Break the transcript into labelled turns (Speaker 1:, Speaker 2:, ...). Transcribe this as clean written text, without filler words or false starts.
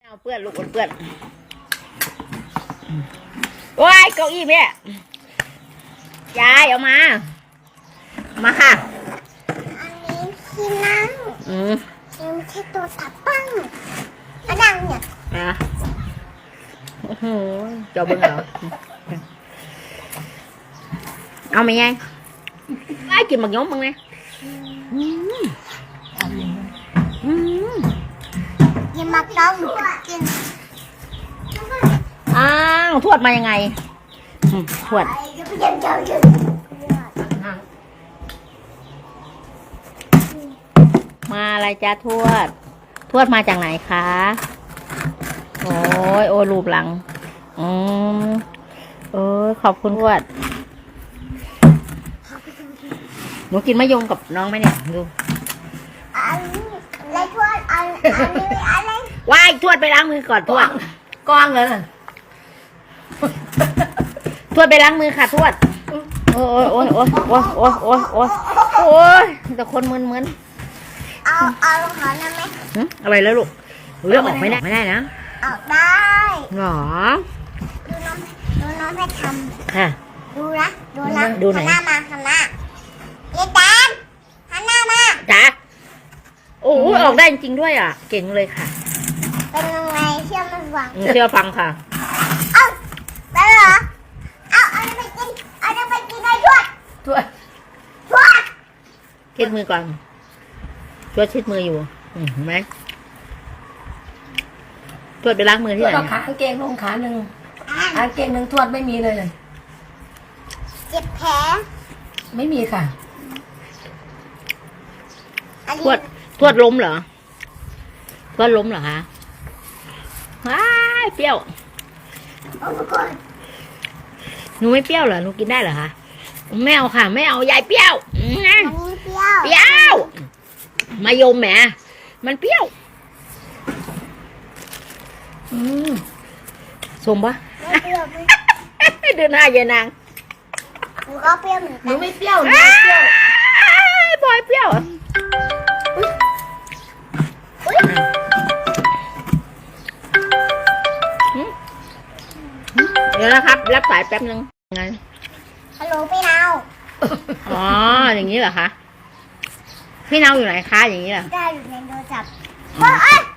Speaker 1: เอาเพื่อนลูกเพื่อนโอ้ยเก้าอี้แม่ยายเอามาค่ะ
Speaker 2: อันนี้ที่นั่งยังใช้ตัวตับปั้งกระดังเนี่ย
Speaker 1: โอ้โหเจ้าเบิ้งเหรอเอาไหมยายไอ้กินบักย้อมมึงไง
Speaker 2: กินมักต้องกิน
Speaker 1: อ้าวทวดมายังไงทวดมาอะไรจ้าทวดมาจากไหนคะโอ้ยโอ้รูปหลังขอบคุณทวดหนูกินมะยมกับน้องไหมเนี่ยดู
Speaker 2: อะไรทวดอะไร
Speaker 1: ว้ายทวดไปล้างมือก่อนทวด
Speaker 3: กว้างเลย
Speaker 1: ทวดไปล้างมือค่ะทวดโอ้ยแต่คนมึน
Speaker 2: เอาลงหอนะไหม
Speaker 1: อะไรแล้วลูกเลือกออกไม่ได้นะ
Speaker 2: ออกได้
Speaker 1: หรอ
Speaker 2: ดูน้องให้ทำ
Speaker 1: ค่ะ
Speaker 2: ดูไหนหันหน้าเยแตนหันหน้ามา
Speaker 1: จ้าโอ้ออกได้จริงด้วยอ่ะเก่งเลยค่ะ
Speaker 2: เป็นยังไงเชื่อมันฟัง
Speaker 1: เชื่อฟังค่ะ
Speaker 2: เอาไปเหรอเอาไปกินได้ทวด
Speaker 1: เช็ดมือก่อนทวดเช็ดมืออยู่เห็นไหมทวดไปล้างมือที่ไหน
Speaker 3: ขากางเกงลงขาหนึ่งกางเกงหนึ่งทวดไม่มีเลย
Speaker 2: เจ็บแผล
Speaker 3: ไม่มีค่ะ
Speaker 1: ทวดล้มเหรอทวดล้มเหรอคะว้ายเปรี้ยวหนูไม่เปรี้ยวเหรอหนูกินได้เหรอคะไม่เอาค่ะไม่เอายายเปรี้ยวเปรี้ยวมายมแหมมันเปรี้ยวสมปะเดินหน้ายายนาง
Speaker 2: หนูก็เปรี้ยวเหมือนกัน
Speaker 3: หนูไม่เปรี้ยวหนูไม่เปรี้ยว
Speaker 1: บอยเปรี้ยวเดี๋ยวนะครับรับสายแป๊บนึงไง
Speaker 2: ฮัลโหลพี่นาว
Speaker 1: อ๋ออย่างนี้เหรอคะพี่นาวอยู่ไหนคะอย่างนี้เหรอ
Speaker 2: ได้อยู่ในโทรศัพท์